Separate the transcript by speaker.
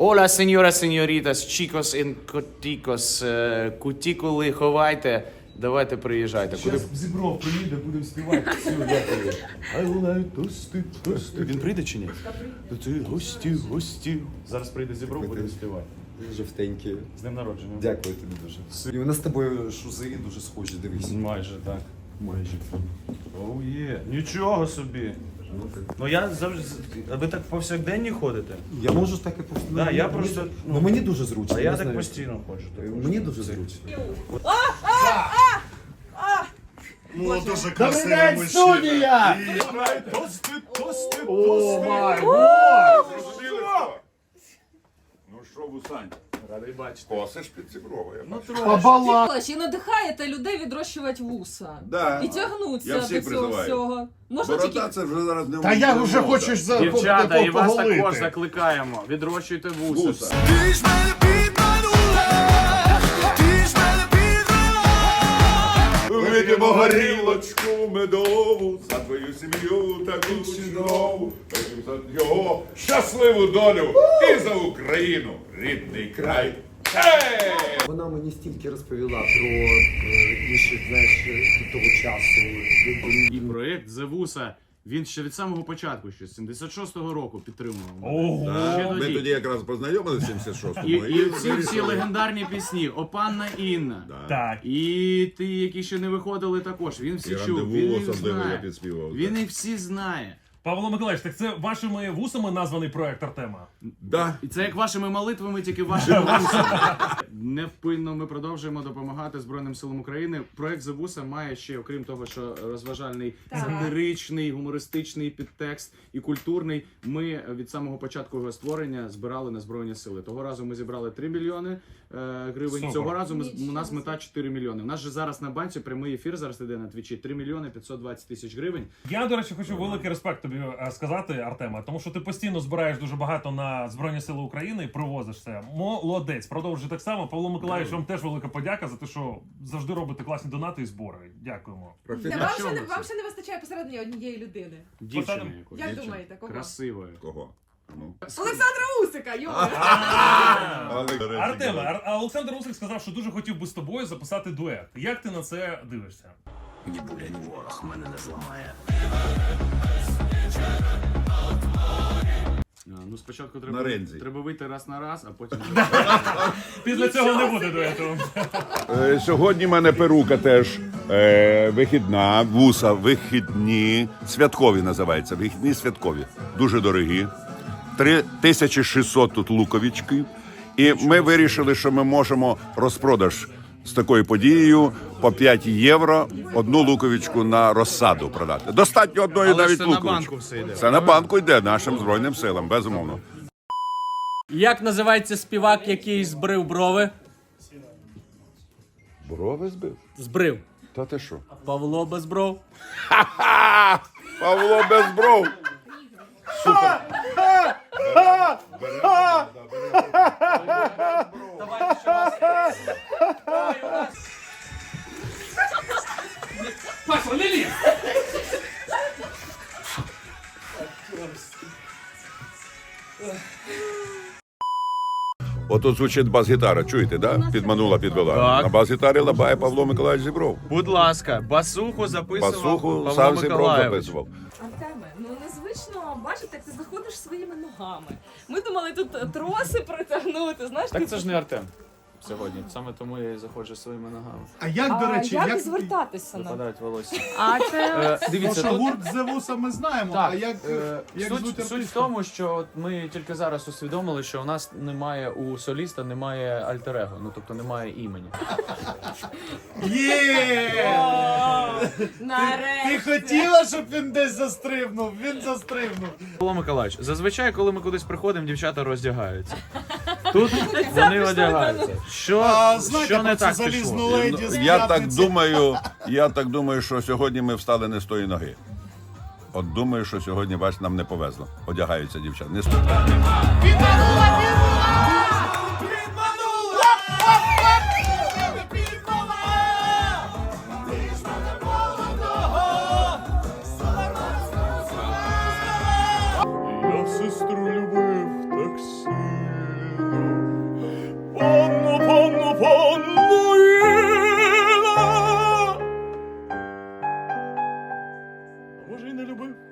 Speaker 1: Hola, señoras, señoritas, chicos y coticos, кутікули ховайте, давайте приїжджайте.
Speaker 2: Зараз Зібров приїде, будемо співати. Все, дякую. I like тости, тости.
Speaker 1: Він прийде чи ні?
Speaker 2: Це гості, гості.
Speaker 1: Зараз прийде Зібров, будемо співати.
Speaker 3: Жовтенькі.
Speaker 1: З днем народження.
Speaker 3: Дякую тобі дуже. І у нас з тобою шузи дуже схожі, дивись.
Speaker 1: Майже так.
Speaker 2: Майже.
Speaker 1: Оу є. Нічого собі. Ну я завжди. А ви так повсякденні ходите?
Speaker 3: Я можу так і постійно.
Speaker 1: Да, я просто,
Speaker 3: Ну мені дуже зручно.
Speaker 1: А я
Speaker 3: не
Speaker 1: так
Speaker 3: знаю.
Speaker 1: постійно ходжу.
Speaker 3: Мені дуже зручно.
Speaker 2: Ну, дуже красивий мужчина. Тости, тости, тости.
Speaker 4: Ну що, Вусань,
Speaker 1: Радий бачити.
Speaker 4: косиш під Зіброва, я бачу.
Speaker 5: І надихаєте людей відрощувати вуса.
Speaker 4: Да.
Speaker 5: І
Speaker 4: Я
Speaker 5: тягнуться
Speaker 4: всіх
Speaker 5: до цього
Speaker 4: призиваю.
Speaker 5: всього. Можна
Speaker 4: Борода
Speaker 5: тільки...
Speaker 4: це вже зараз не
Speaker 2: Та я вже
Speaker 4: мода.
Speaker 2: хочу
Speaker 1: Дівчата, і вас також
Speaker 2: поголити.
Speaker 1: закликаємо. Відрощуйте вуса.
Speaker 4: Вуса. Вип'ємо горілочку медову за твою сім'ю таку чудову. Вип'ємо за його щасливу долю і за Україну, рідний край. Ей!
Speaker 3: Вона мені стільки розповіла про інших, знаєш, того часу.
Speaker 1: І проєкт «Зевуса», він ще від самого початку, ще з 76-го року підтримував.
Speaker 2: Ого.
Speaker 1: Ще
Speaker 4: Ми
Speaker 1: тоді.
Speaker 4: тоді якраз познайомилися в 76-му.
Speaker 1: І всі легендарні пісні, «О панна Інна».
Speaker 2: Так.
Speaker 1: І ті, які ще не виходили також, він всі
Speaker 4: І
Speaker 1: чув,
Speaker 4: «Рандеву»
Speaker 1: він їх
Speaker 4: особливо я
Speaker 1: знає.
Speaker 4: підспівав.
Speaker 1: Він їх всі знає.
Speaker 2: Павло Миколаївич, так це вашими вусами названий проект Артема?
Speaker 4: Да.
Speaker 1: І це як вашими молитвами, тільки вашими вусами. Невпинно ми продовжуємо допомагати Збройним силам України. Проект «Зевуса» має ще, окрім того, що розважальний, сатиричний, гумористичний підтекст і культурний. Ми від самого початку його створення збирали на Збройні сили. Того разу ми зібрали 3 мільйони гривень.
Speaker 2: Супер.
Speaker 1: Цього разу у нас мета 4 мільйони. У нас же зараз на банці прямий ефір зараз іде на Твічі. 3 мільйони 520 тисяч гривень.
Speaker 2: Я, до речі, хочу великий респект тобі сказати, Артема, тому що ти постійно збираєш дуже багато на Збройні Сили України і привозиш це. Молодець, продовжуй так само. Павло Миколаївич, вам теж велика подяка за те, що завжди робите класні донати і збори. Дякуємо.
Speaker 5: Вам ще не вистачає посередині однієї людини.
Speaker 1: Дівчини якось.
Speaker 5: Як думаєте, кого?
Speaker 1: Красивою.
Speaker 4: Кого? Ну.
Speaker 5: Олександра Усика, йо!
Speaker 2: Артеме, а Олександр Усик сказав, що дуже хотів би з тобою записати дует. Як ти на це дивишся?
Speaker 6: Ні буря, ні ворог мене не зламає.
Speaker 1: Ну, спочатку
Speaker 4: На ринзі.
Speaker 1: треба вийти раз на раз, а потім...
Speaker 2: Після цього не буде дуету.
Speaker 4: Сьогодні в мене перука теж вихідна, вуса вихідні, святкові називаються, вихідні святкові, дуже дорогі. 3600 тут луковички. І ми вирішили, що ми можемо розпродаж з такою подією по 5 євро одну луковичку на розсаду продати. Достатньо одної
Speaker 1: Але
Speaker 4: навіть
Speaker 1: це на
Speaker 4: луковички.
Speaker 1: банку все йде.
Speaker 4: Це на банку йде нашим Збройним силам, безумовно.
Speaker 7: Як називається співак, який збрив брови?
Speaker 4: Брови збив?
Speaker 7: Збрив.
Speaker 4: Та ти що?
Speaker 7: Павло Безбров.
Speaker 4: Павло Безбров!
Speaker 7: Паша, не лізь!
Speaker 4: Отут звучить бас-гітара, чуєте, да? Підманула, підвела.
Speaker 1: Так.
Speaker 4: На бас-гітарі лабає Павло Миколаївич Зібров.
Speaker 1: Будь ласка, басуху записував
Speaker 4: Басуху
Speaker 1: Павло
Speaker 4: сам Зібров
Speaker 1: Миколаївич.
Speaker 4: записував.
Speaker 5: Артеме, ну незвично бачити, як ти заходиш своїми ногами. Ми думали тут троси притягнути, знаєш?
Speaker 1: Так це ж не Артем сьогодні, саме тому я і заходжу своїми ногами.
Speaker 2: А як, до речі,
Speaker 5: як звертатися на?
Speaker 1: Випадають волосся.
Speaker 5: А це...
Speaker 1: Дивіться, тут...
Speaker 2: гурт Зевуса ми знаємо,
Speaker 1: Так, суть в тому, що от ми тільки зараз усвідомили, що у нас немає у соліста немає альтер-его, ну тобто немає імені.
Speaker 2: Є!
Speaker 5: Нарешті!
Speaker 2: хотіла, щоб він десь застрибнув? Він застрибнув.
Speaker 1: Павло Миколаївич, зазвичай, коли ми кудись приходимо, дівчата роздягаються. Тут вони одягаються. Що не так пішло?
Speaker 4: Я так думаю, що сьогодні ми встали не з тої ноги. От думаю, що сьогодні, бач, нам не повезло. Одягаються дівчата. Не з тої.
Speaker 2: Я сестру любив так сильно. Мануїла. А може і не любив?